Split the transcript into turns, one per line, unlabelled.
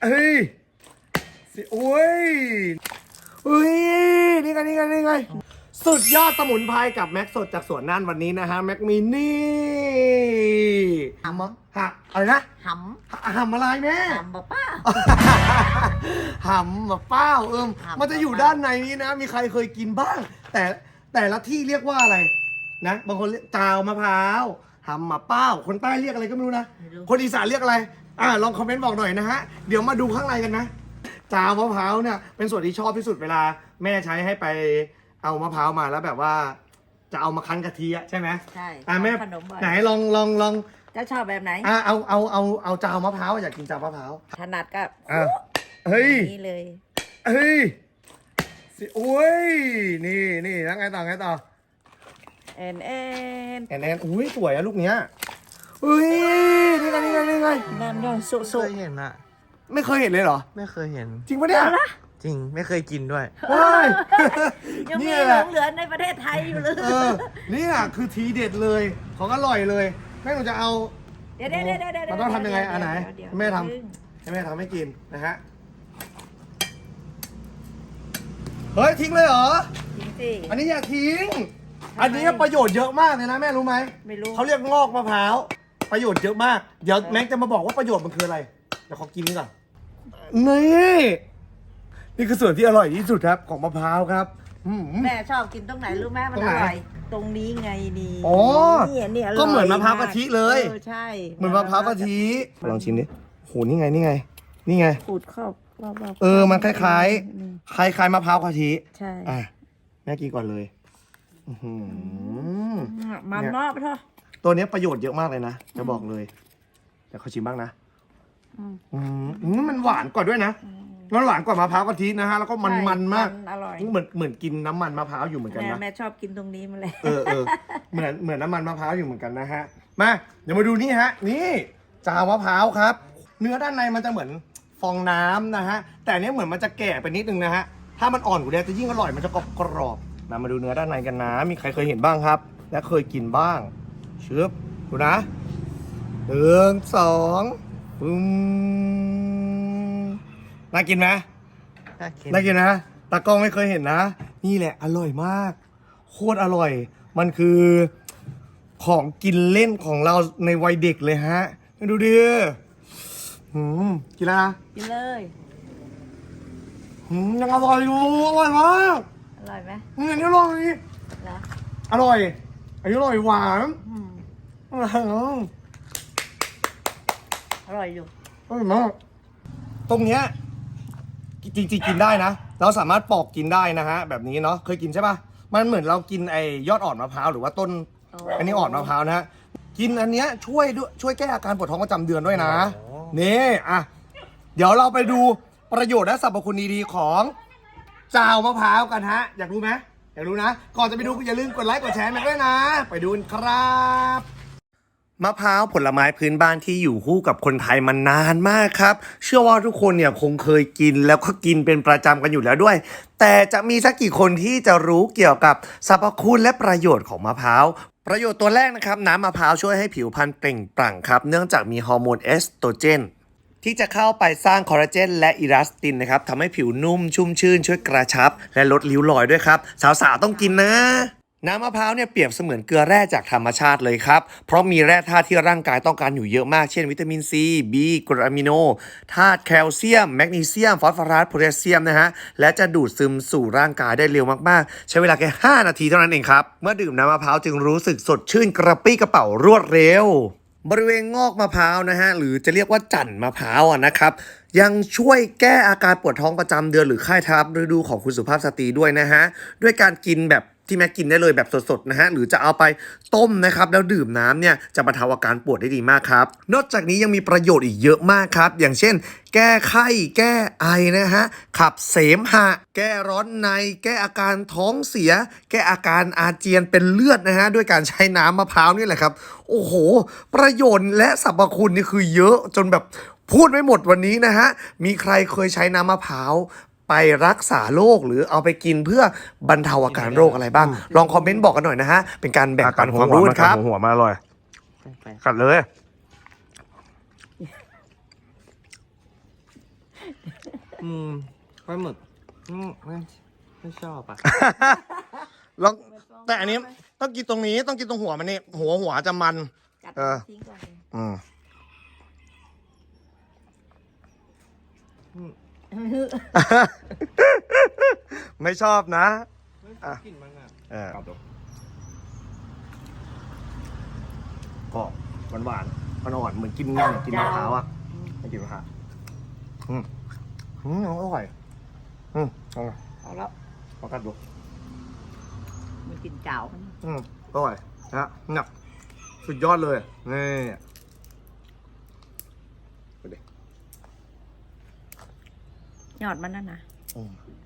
เฮ้ยสิโอ้ยเฮ้ยนี่ไงสุดยอดสมุนไพรกับแม็กสดจากสวนน่านวันนี้นะฮะแม็กมีนี่หำอะไรนะ
ห
หำอะไรแม่
ำหำป้า
หำมะเป้ามันจะอยู่ด้านในนี้นะมีใครเคยกินบ้างแต่ละที่เรียกว่าอะไรนะบางคนเรียกจาวมะพร้าวหำมะเป้าคนใต้เรียกอะไรก็ไม่รู้นะคนอีสานเรียกอะไรลองคอมเมนต์บอกหน่อยนะฮะเดี๋ยวมาดูข้างในกันนะจาวมะพร้าวเนี่ยเป็นส่วนที่ชอบที่สุดเวลาแม่ใช้ให้ไปเอามะพร้าวมาแล้วแบบว่าจะเอามาคั้นกะทิใช่ไหม
ใช่
แม่ไหนลอง
จะชอบแบบไหน
เอาจาวมะพร้าวอยากกินจาวมะพร้าว
ถนัดก็
เฮ้ย
นี่เลย
เฮ้ยสิโอ้ยนี่แล้วไงต่อ
แอน
อุ้ยสวยอะลูกเนี้ยเฮ้ยนี่ไง
น้ำย่อยสุ
เคยเห็นอะ
ไม่เคยเห็นเลยเหรอ
ไม่เคยเห็น
จริงปะเนี่ย
จริงไม่เคยกินด้วย
ว้าย
ยังมีหลงเหลือในประเทศไทยอยู่เลย
นี่คือทีเด็ดเลยของอร่อยเลยแม่หนูจะเอา
เดี๋ยว
มันต้องทำยังไงอันไหนแม่ทำให้กินนะฮะเฮ้ยทิ้งเลยเหรอ
ทิ้งสิ
อันนี้อย่าทิ้งอันนี้ประโยชน์เยอะมากเลยนะแม่รู้ไหม
ไม่รู้
เขาเรียกงอกมะพร้าวประโยชน์เยอะมากเดี๋ยวแม็กจะมาบอกว่าประโยชน์มันคืออะไรเดี๋ยวขอกินนี่ก่อนนี่คือส่วนที่อร่อยที่สุดครับของมะพร้าวครับ
แม่ชอบกินตรงไหนรู้ไหมมันอร่อยตรงนี้ไงนี่นี่
ก็เหมือนมะพร้าวกะทิเลย
ใช่
เหมือนมะพร้าวกะทิลองชิมดิโหนี่ไง
ขูดเข้า
มันคล้ายมะพร้าวกะทิ
ใช่
แม่กินก่อนเลย
มันเนาะไปเถอะ
ตัวนี้ประโยชน์เยอะมากเลยนะจะบอกเลยเดี๋ยวเขาชิมบ้างนะมันหวานกว่าด้วยนะมันหวานกว่ามะพร้าวกะทินะฮะแล้วก็มันมาก
อร่อย
เหมือนกินน้ำมันมะพร้าวอยู่เหมือนกันนะ
แม่ชอบกินตรงนี้มาเลย
เหมือนน้ำมันมะพร้าวอยู่เหมือนกันนะฮะมาเดี๋ยวมาดูนี่ฮะนี่จาวมะพร้าวครับเนื้อด้านในมันจะเหมือนฟองน้ำนะฮะแต่เนี้ยเหมือนมันจะแก่ไปนิดนึงนะฮะถ้ามันอ่อนกว่านี้จะยิ่งอร่อยมันจะกรอบมาดูเนื้อด้านในกันนะมีใครเคยเห็นบ้างครับและเคยกินบ้างเชือบดูนะ1 2น่ากินไหมน่ากินนะตากล้องไม่เคยเห็นนะนี่แหละอร่อยมากโคตรอร่อยมันคือของกินเล่นของเราในวัยเด็กเลยฮะดูดิกินแล้วนะ
กินเลย
ยังอร่อยอยู่อร่อยมาก
อร่อยไหม
อันนี้อร่อยอร่อยอันนี้อร่อยหวาน
อร่อยอยู่
อร่อยมากตรงเนี้ยจริงๆกินได้นะเราสามารถปอกกินได้นะฮะแบบนี้เนาะเคยกินใช่ป่ะมันเหมือนเรากินไอยอดอ่อนมะพร้าวหรือว่าต้นอันนี้อ่อนมะพร้าวนะฮะกินอันเนี้ยช่วยแก้อาการปวดท้องประจำเดือนด้วยนะนี่เดี๋ยวเราไปดูประโยชน์และสรรพคุณดีๆของจาวมะพร้าวกันฮะอยากรู้ไหมอยากรู้นะก่อนจะไปดูอย่าลืมกดไลค์กดแชร์ด้วยนะไปดูกันครับมะพร้าวผลไม้พื้นบ้านที่อยู่คู่กับคนไทยมานานมากครับเชื่อว่าทุกคนเนี่ยคงเคยกินแล้วก็กินเป็นประจำกันอยู่แล้วด้วยแต่จะมีสักกี่คนที่จะรู้เกี่ยวกับสรรพคุณและประโยชน์ของมะพร้าวประโยชน์ตัวแรกนะครับน้ำมะพร้าวช่วยให้ผิวพรรณเปล่งปลั่งครับเนื่องจากมีฮอร์โมนเอสโตรเจนที่จะเข้าไปสร้างคอลลาเจนและอิลาสตินนะครับทำให้ผิวนุ่มชุ่มชื่นช่วยกระชับและลดริ้วรอยด้วยครับสาวๆต้องกินนะน้ำมะพร้าวเนี่ยเปรียบเสมือนเกลือแร่จากธรรมชาติเลยครับเพราะมีแร่ธาตุที่ร่างกายต้องการอยู่เยอะมากเช่นวิตามินซีบีกรดอะมิโนธาตุแคลเซียมแมกนีเซียมฟอสฟอรัสโพแทสเซียมนะฮะและจะดูดซึมสู่ร่างกายได้เร็วมากๆใช้เวลาแค่5 นาทีเท่านั้นเองครับเมื่อดื่มน้ำมะพร้าวจึงรู้สึกสดชื่นกระปรี้กระเป๋ารวดเร็วบริเวณงอกมะพร้าวนะฮะหรือจะเรียกว่าจั่นมะพร้าวนะครับยังช่วยแก้อาการปวดท้องประจำเดือนหรือไข้ทับฤดูของคุณสุภาพสตรีด้วยนะฮะด้วยการกินแบบที่แม่กินได้เลยแบบสดๆนะฮะหรือจะเอาไปต้มนะครับแล้วดื่มน้ำเนี่ยจะบรรเทาอาการปวดได้ดีมากครับนอกจากนี้ยังมีประโยชน์อีกเยอะมากครับอย่างเช่นแก้ไข้แก้ไอนะฮะขับเสมหะแก้ร้อนในแก้อาการท้องเสียแก้อาการอาเจียนเป็นเลือดนะฮะด้วยการใช้น้ำมะพร้าวนี่แหละครับโอ้โหประโยชน์และสรรพคุณนี่คือเยอะจนแบบพูดไม่หมดวันนี้นะฮะมีใครเคยใช้น้ำมะพร้าวไปรักษาโรคหรือเอาไปกินเพื่อบรรเทาอาการโรคอะไรบ้างลองคอมเมนต์บอกกันหน่อยนะฮะเป็นการแบ่งปันความรู้ครับ
หัวมาอร่อยกัดเลยปลาหมึกไม่ชอบอ่ะ
แล้วแต่อันนี้ต้องกินตรงนี้ต้องกินตรงหัวมันนี่หัวจะมัน
กัด
เออ
ทิ้งก่อนเลย
อืม ไม่ชอบนะ
ไม่ชอบกลิ่นมันอ่ะ
เออก็หวานอ่อนๆเหมือนกินมะพร้าวอ่ะไม่กินมะพร้าวอร่อยอร่อย
เอาแล้ว
ลองกัดดู
มันกินเจ้า
อร่อยนะเนี่ยสุดยอดเลยนี่ดูดิ
ยอดมันนั่นนะ
อืม